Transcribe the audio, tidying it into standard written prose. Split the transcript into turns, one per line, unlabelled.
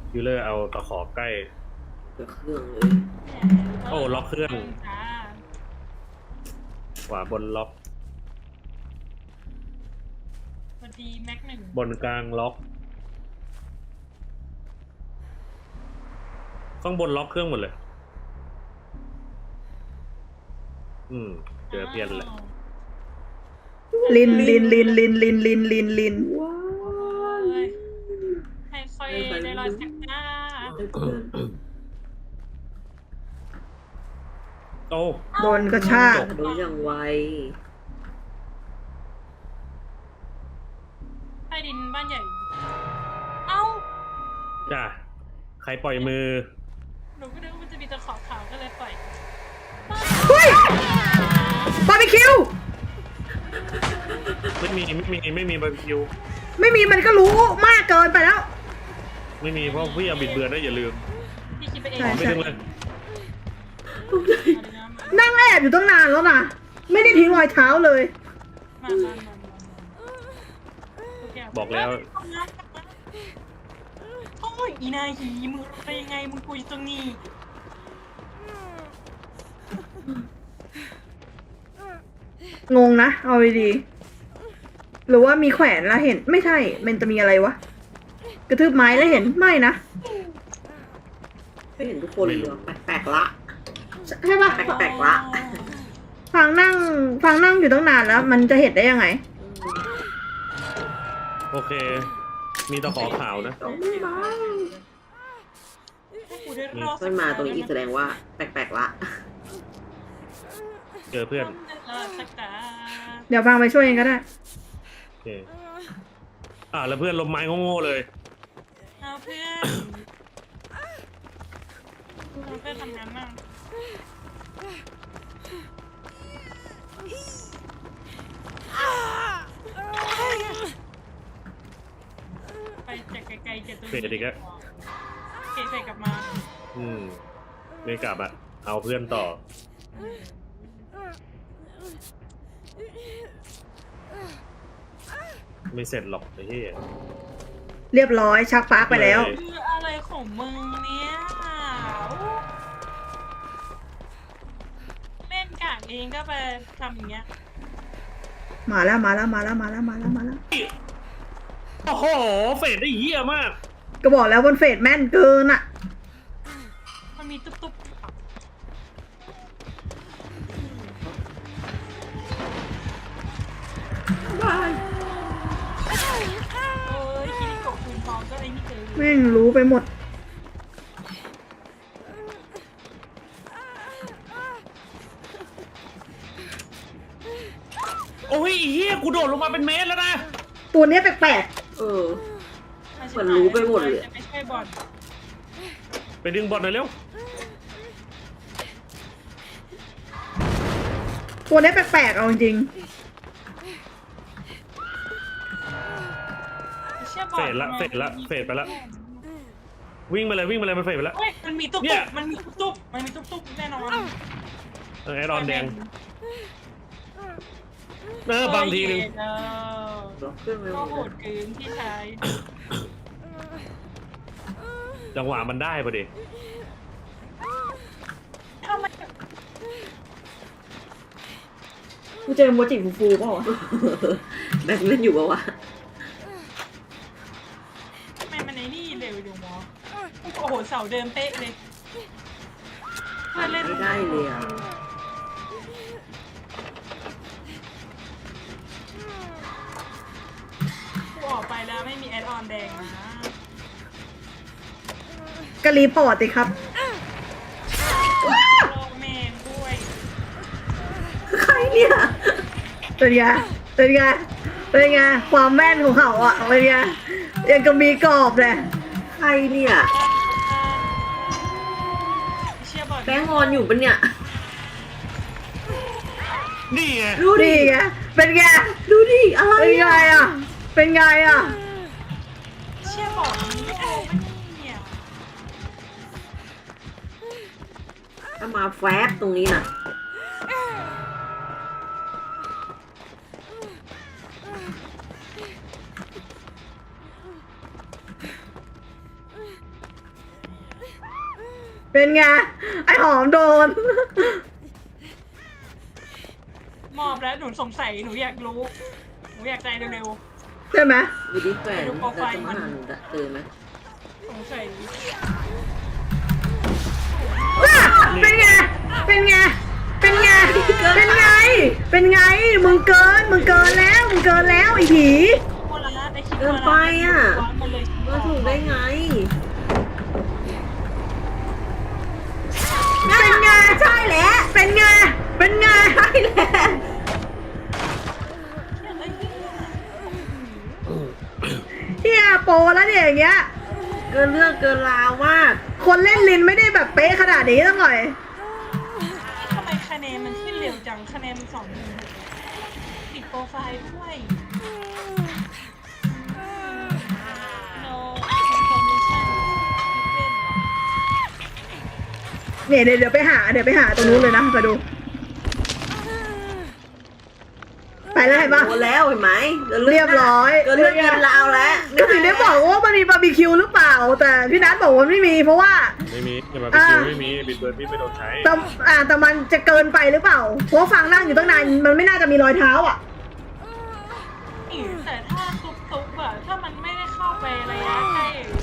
ยูเลอร์เอาตะขอใกล้
เครื่องเลย
โอ้ล็อกเครื่องขวาบนล็อก
พอดีแม็กหนึ่ง
บนกลางล็อกข้างบนล็อกเครื่องหมดเลยเจอเพี้ยนเลย
ลิน
ว้าว
ให้ค่อยได้รอยสักหน้า
โอ้
โดนกระชาก
โดนอย่างไว
ใต้ดินบ้านใหญ่เอ้า
จ้าใครปล่อยมือ
หนูก็นึกว่ามันจะมีตะขอขาวก็เลยปล่อย
เฮ้ยบาร์บีคิว
ไม่มีบาร์บีคิว
ไม่มีมันก็รู้มากเกินไปแล้ว
ไม่มีเพราะพี่เอาบิดเบือนนะอย่าลืม
พี่คิดไปเอง
ใช่
ไม่ถึงเลย
นั่งแอบอยู่ตั้งนานแล้วนะไม่ได้ทิ้งรอยเท้าเลย
มา
บอกแล้ว
โอ้ยอีนายหีมึงไปยังไงมึงกูอยู่ตรงนี้
งงนะเอาดีๆหรือว่ามีแขวนแล้วเห็นไม่ใช่มันจะมีอะไรวะกระทืบไม้แล้วเห็นไม่นะ
ไม่เห็นทุกคนเลยแปลกๆละ
ใช่ปะ
แปลกๆละ
ฟังนั่งอยู่ตั้งนานแล้ว มันจะเห็นได้ยังไง
โอเค มีตะขอขาวนะ
ไม่มาตรงนี้อีกแสดงว่าแปลกๆละ
เจอเพื่อน
เดี๋ยวฟังไปช่วยเองก็ได้
โอเคแล้วเพื่อนลมไม้โง่ๆเลย
เอาเพื่อนเพื่อนทำงานมากไปจากไกลๆเก็บตัว
เฟดอีกแล้ว
เก็บใส่กลับมา
ไม่กลับเอาเพื่อนต่อ ไม่เสร็จหรอกไอ้เหี้ย
เรียบร้อยชักปาร์กไปแล้ว
คืออะไรของมึงเนี่ยเล่นกากเองก็ไปทำอย่างเงี้ย
มาแล้ว
โอ้โหเฟดได้เหี้ยมาก
ก็บอกแล้วบนเฟสแม่นเกินอ่ะ
มันมีตุ๊บโอ้ยคิริโกะคืนทองก็ไอ้นี่เจอ
แม่งรู้ไปหมด
โอ้ยไอ้เหี้ยกูโดดลงมาเป็นเมตรแล้วนะ
ตัวเนี้ยแปลก
เออ เหมือนรู้ไปหมดเลย
จะไม่ใช่บอล
ไปดึงบอลหน่อยเร็ว
ๆตัวเนี้ยแปลกๆเอาจริง
ไม่ใช่บอล
เฟดไปละวิ่งมาเลยมันเฟดไปแล้ว
เฮ้ยมันมีตุ๊บ
เนี่ย
มันมีตุ๊บแน่นอน
แอดออนแดงบางทีนึง
ล็อกเครื่องเลย
ก็โหดเกินที่ไทย
จังหวะมันได้พอดี
ทำไม
ๆกูเจอโมจิฟูๆเปล่าวะ
แบงค์เล่นอยู่ปะวะ
ทำไมมันไอ้นี่เร็วอยู่หมอโอ้โหเสาเดิมเป๊ะเลยเพื่อนเล่น
ไม่ได้เลยอ่ะ
กูออกไปแล้วไม่มีแอดออนแดงนะ
กะรีพอร์ตสิครับ
โลกแมนด้วย
ใครเนี่ย
เป็นไงความแม่นของเขาอ่ะเป็นไงยังก็มีกรอบเลย
ใครเนี่ย
เชื่อบอก
แบงค์งอนอยู่ปะเนี่ย
นี่ไง
ดูดิ
นี่ไงเป็นไง
ดูดิอะไร
เป็นไง
อ่ะ
อ่ะเป็นไงอ่ะ
เชื่อบอกนี้โอ้ไม่เนี่ย
ถ้ามาแฟบตรงนี้น่ะ
เป็นไงไอหอมโดน
มอบแล้วหนูสงสัยหนูอยากรู้หนูอยากใจเร็ว
ใช่ไหม
วิธีแขวนจะมาหาหนูเจอไหม
ๆสงสัย
ว้าเป็นไงเป็นไงเป็นไงเป็นไงเป็นไงมึงเกินแล้วไอ้ผี
โคลาไอคิด
เกินไปอ่ะ
มันเลย
มาถูกได้ไง
เป็นไง
ใช่แหละ
เป็นไงเป็นไง
ใช่แหละ
เฮียโปรแล้วเนี่ยอย่างเงี้ย
เกินเรื่องเกินราวมาก
คนเล่นลินไม่ได้แบบเป๊ะขนาดนี้ตั้งหน่อย
ทำไมคะแนนมันขึ้นเร็วจังคะแนนมัน2-1ติดโปรไฟล์ด้วย no information given
เนี่ยเดี๋ยวไปหาตรงนู้นเลยนะไปดู ไปแล้วเห็นปะ
โดนแล้วเห็นไหม
เรียบร้อย
เกินเรื่องเกินราวแล้ว
ก็ถึงได้บอกว่ามันมีบาร์บีคิวหรือเปล่า แต่พี่นัทบอกว่าไม่มีเพราะว่า
ไม่มีอย่ามาไปคิวไม่มีบิดเบิร์นพี่ไม่โดนใช้
แต่มันจะเกินไปหรือเปล่า เพราะว่าฟังนั่งอยู่ตั้งนานมันไม่น่าจะมีรอยเท้าอ่ะ
แต่ถ้าตุ๊บๆอะถ้ามันไม่ได้เข้าไประยะใกล้อย่าง